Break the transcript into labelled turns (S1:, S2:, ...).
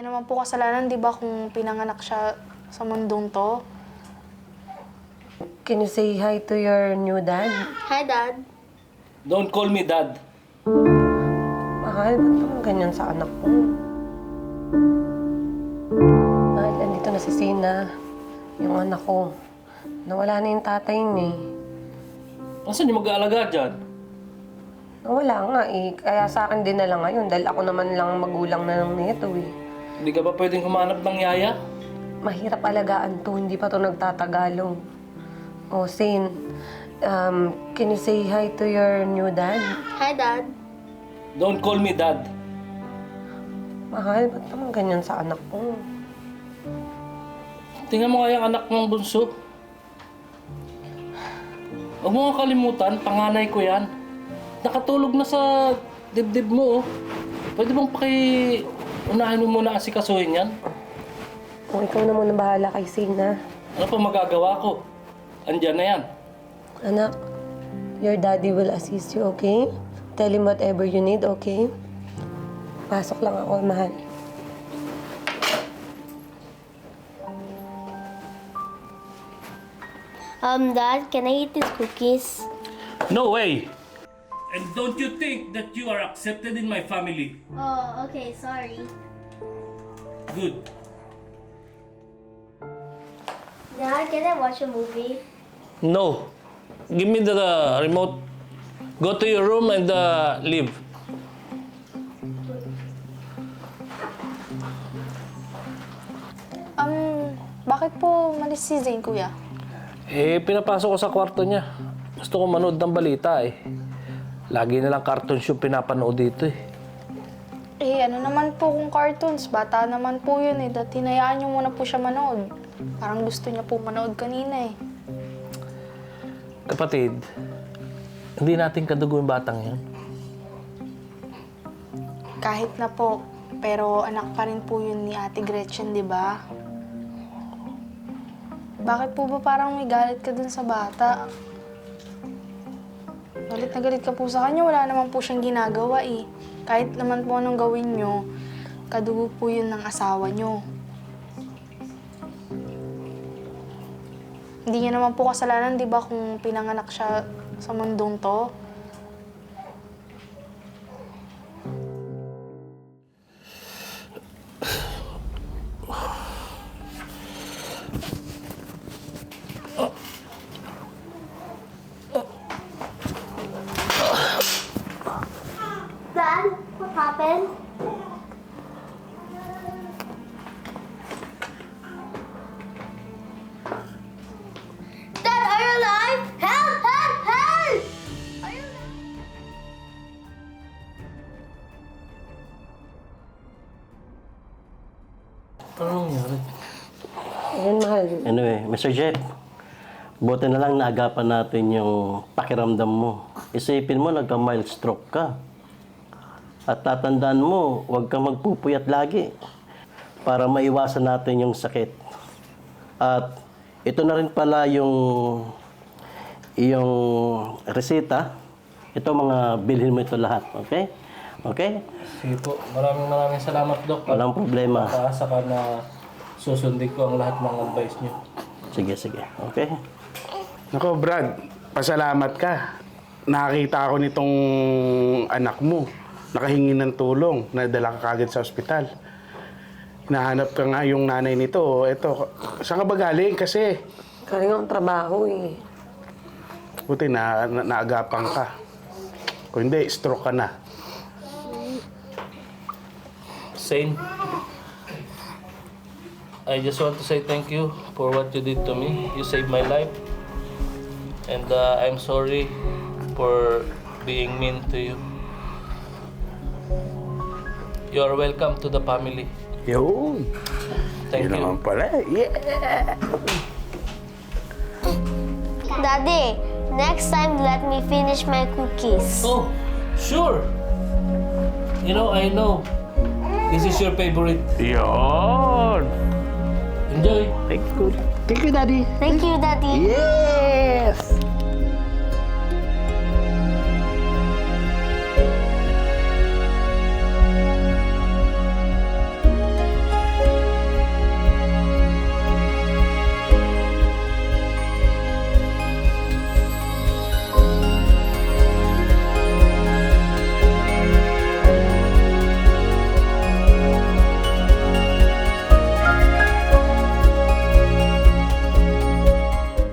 S1: niya naman po kasalanan, di ba, kung pinanganak siya sa mundong to?
S2: Can you say hi to your new dad?
S1: Hi, Dad.
S3: Don't call me dad.
S2: Mahal, ba't naman ganyan sa anak ko? Mahal, andito na si Sina, yung anak ko. Nawala na yung tatay niya eh.
S3: Nasaan yung mag-aalaga dyan?
S2: Nawala nga eh. Kaya sa akin din na lang ngayon dahil ako naman lang magulang na lang nito eh.
S3: Hindi ka ba pwedeng humanap ng yaya?
S2: Mahirap alagaan to, hindi pa to nagtatagalog. Oh, Sin, can you say hi to your new dad?
S1: Hi, Dad.
S3: Don't call me dad.
S2: Mahal, ba't naman ganyan sa anak ko?
S3: Tingnan mo nga yung anak mong bunso. Huwag mo nga kalimutan, panganay ko yan. Nakatulog na sa dibdib mo, oh. Pwede bang unahin mo muna asikasuhin yan?
S2: Kung ikaw na muna bahala kay Sina.
S3: Ano pa magagawa ko? Andyan na yan.
S2: Anak, your daddy will assist you, okay? Tell him whatever you need, okay? Pasok lang ako, mahal.
S4: Dad, can I eat these cookies?
S3: No way! And don't you think that you are accepted in my family?
S4: Oh, okay, sorry.
S3: Good.
S4: Dad, can I watch a movie?
S3: No. Give me the remote. Go to your room and leave.
S1: Bakit po malis si Zane, Kuya?
S3: Pinapasok ko sa kwarto niya. Gusto ko manood ng balita eh. Lagi na lang cartoons yung pinapanood dito eh.
S1: Ano naman po kung cartoons? Bata naman po yun eh. Dati hinayaan niyo muna po siya manood. Parang gusto niya po manood kanina eh.
S3: Kapatid, hindi natin kadugo yung batang yan.
S1: Kahit na po, pero anak pa rin po yun ni Ate Gretchen, di ba? Bakit po ba parang may galit ka dun sa bata? Galit na galit ka po sa kanya, wala naman po siyang ginagawa eh. Kahit naman po anong gawin nyo, kadugo po yun ng asawa nyo. Hindi niya naman po kasalanan, di ba, kung pinanganak siya sa mundong to?
S4: Dad, what happened? Dad, are you alive? Help! Help! Help! Are you alive?
S3: Ano nangyari?
S2: Ayan, mahal.
S5: Anyway, Mr. Jeff, buti na lang naagapan natin yung pakiramdam mo. Isipin mo, nagka-mild stroke ka. At tatandaan mo, huwag kang magpupuyat lagi para maiwasan natin yung sakit. At ito na rin pala yung resita. Ito mga bilhin mo ito lahat, okay? Okay?
S3: Sige po. Maraming salamat, Dok.
S5: Walang problema.
S3: Makaasa ka na susundin ko ang lahat ng advice niyo.
S5: Sige, sige. Okay?
S6: Nako, Brad, pasalamat ka. Nakakita ako nitong anak mo. Nakahingi ng tulong. Nadala ka kagad sa ospital. Hinahanap ka nga yung nanay nito. Eto, saan ka ba galing? Kasi
S2: Galing ang trabaho eh.
S6: buti naagapan ka. Kung hindi, stroke ka na.
S3: Zane, I just want to say thank you for what you did to me. You saved my life. And I'm sorry for being mean to you. You are welcome to the family.
S6: Yun.
S3: Thank
S6: Yun naman
S3: you.
S6: pala. Yeah!
S4: Daddy, next time let me finish my cookies.
S3: Oh, sure. You know, I know. This is your favorite.
S6: Yun!
S3: Enjoy.
S6: Thank you. Thank you, Daddy.
S4: Thank you, Daddy.
S6: Yes!